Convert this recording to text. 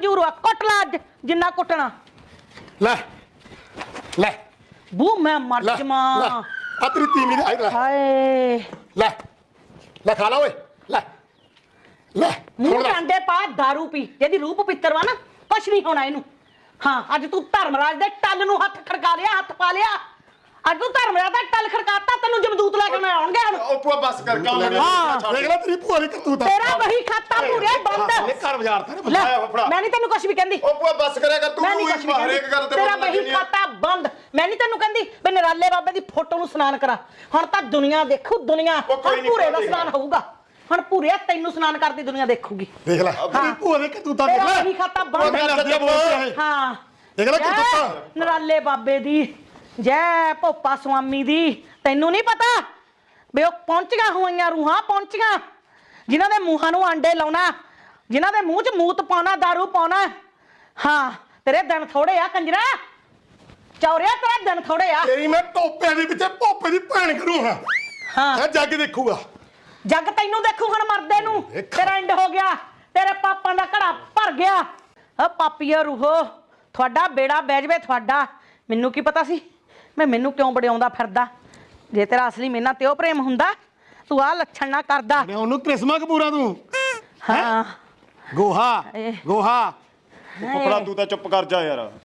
ਮਨਜ਼ੂਰ ਆ ਕੁੱਟ ਲਾ ਅੱਜ ਜਿੰਨਾ ਕੁੱਟਣਾ ਲੈ ਲੈ ਬੂ ਮੈਂ ਮਰ ਜਾਵਾਂ ਆ ਤੇਰੀ ਤੀਵੀਂ ਦੀ ਲੈ ਹਾਏ ਲੈ ਲੈ ਖਾ ਲਾ ਓਏ ਲੈ ਲੈ ਮੂੰਹ ਟਾਂਡੇ ਪਾ ਦਾਰੂ ਪੀ ਜਿਹਦੀ ਰੂਪ ਪਿੱਤਰ ਵਾ ਨਾ ਕੁਛ ਨਹੀਂ ਹੋਣਾ ਇਹਨੂੰ ਹਾਂ ਅੱਜ ਤੂੰ ਧਰਮਰਾਜ ਦੇ ਟੱਲ ਨੂੰ ਹੱਥ ਖੜਕਾ ਲਿਆ ਹੱਥ ਪਾ ਲਿਆ ਅੱਜ ਤੂੰ ਧਰਮਰਾਜ ਦਾ ਟੱਲ ਖੜਕਾਤਾ ਤੈਨੂੰ ਜਮਦੂਤ ਲੈ ਕੇ ਮੈਂ ਆਉਣਗੇ ਹੁਣ ਉਹ ਭੂਆ ਬਸ ਕਰ ਕਿਉਂ ਲੜੀ ਦੇਖ ਲੈ ਤੇਰੀ ਭੂਆ ਦੀ ਕਰਤੂਤ ਤੇਰਾ ਵਹੀ ਖਾਤਾ ਪੂਰੇ ਬੰਦ ਇਹ ਘਰ ਬਾਜ਼ਾਰ ਤੇ ਲੈ, ਮੈਂ ਨਹੀਂ ਤੈਨੂੰ ਕੁਛ ਵੀ ਕਹਿੰਦੀ ਉਹ ਭੂਆ ਬਸ ਕਰਿਆ ਕਰ ਤੂੰ ਮੈਂ ਨਹੀਂ ਕੁਛ ਵੀ ਹਰੇਕ ਗੱਲ ਕਹਿੰਦੀ ਤੇ ਤੇਰਾ ਵਹੀ ਖਾਤਾ ਬੰਦ ਮੈਂ ਨਹੀਂ ਤੈਨੂੰ ਕਹਿੰਦੀ ਵੀ ਨਰਾਲੇ ਬਾਬੇ ਦੀ ਫੋਟੋ ਨੂੰ ਸਨਾਨ ਕਰਾ ਹੁਣ ਤਾਂ ਦੁਨੀਆ ਦੇਖੂ ਦੁਨੀਆ ਹੁਣ ਪੂਰੇ ਦਾ ਸਨਾਨ ਹੋਊਗਾ ਹੁਣ ਪੂਰੇ ਤੈਨੂੰ ਸਨਾਨ ਕਰਦੀ ਦੁਨੀਆ ਦੇਖੂਗੀ ਦੇਖ ਲੈ ਤੇਰੀ ਭੂਆ ਦੀ ਕਰਤੂਤਾਂ ਦੇਖ ਤੇਰਾ ਲੈ ਵਹੀ ਖਾਤਾ ਬੰਦ ਹਾਂ ਦੇਖ ਲੈ ਕਰਤੂਤਾਂ ਨਰਾਲੇ ਬਾਬੇ ਦੀ ਜੈ ਭੋਪਾ ਸੁਆਮੀ ਦੀ ਤੈਨੂੰ ਨਹੀਂ ਪਤਾ ਵੀ ਉਹ ਪਹੁੰਚੀਆਂ ਹੋਈਆਂ ਰੂਹਾਂ ਪਹੁੰਚੀਆਂ ਜਿਨ੍ਹਾਂ ਦੇ ਮੂੰਹਾਂ ਨੂੰ ਆਂਡੇ ਲਾਉਣਾ ਜਿਨ੍ਹਾਂ ਦੇ ਮੂੰਹ 'ਚ ਮੂਤ ਪਾਉਣਾ ਦਾਰੂ ਪਾਉਣਾ ਹਾਂ ਤੇਰੇ ਦਿਨ ਥੋੜੇ ਆ ਕੰਜਰਾ ਚੌਰਿਆ ਤੇਰੇ ਦਿਨ ਥੋੜੇ ਆ ਤੇਰੀ ਮੈਂ ਟੋਪੇ ਦੇ ਵਿੱਚ ਭੋਪੇ ਦੀ ਭੈਣ ਕਰੂੰ ਹਾਂ ਜੱਗ ਦੇਖੂਗਾ ਜੱਗ ਤੈਨੂੰ ਦੇਖੂ ਹੁਣ ਮਰਦੇ ਨੂੰ ਤੇਰਾ ਐਂਡ ਹੋ ਗਿਆ ਤੇਰੇ ਪਾਪਾਂ ਦਾ ਘੜਾ ਭਰ ਗਿਆ ਆ ਪਾਪੀਆ ਰੂਹੋ ਤੁਹਾਡਾ ਬੇੜਾ ਬਹਿ ਜਵੇ ਤੁਹਾਡਾ ਮੈਨੂੰ ਕੀ ਪਤਾ ਸੀ ਮੈਨੂੰ ਕਿਉਂ ਬੜਿਆਉਂਦਾ ਫਿਰਦਾ ਜੇ ਤੇਰਾ ਅਸਲੀ ਮੇਨਾ ਤੇ ਉਹ ਪ੍ਰੇਮ ਹੁੰਦਾ ਤੂੰ ਆ ਲੱਛਣ ਨਾ ਕਰਦਾ ਉਹਨੂੰ ਕ੍ਰਿਸਮਾ ਕਪੂਰਾ ਤੂੰ ਹਾਂ ਗੋਹਾ ਗੋਹਾ ਫੁੱਫੜਾ ਤੂੰ ਤਾਂ ਚੁੱਪ ਕਰ ਜਾ ਯਾਰ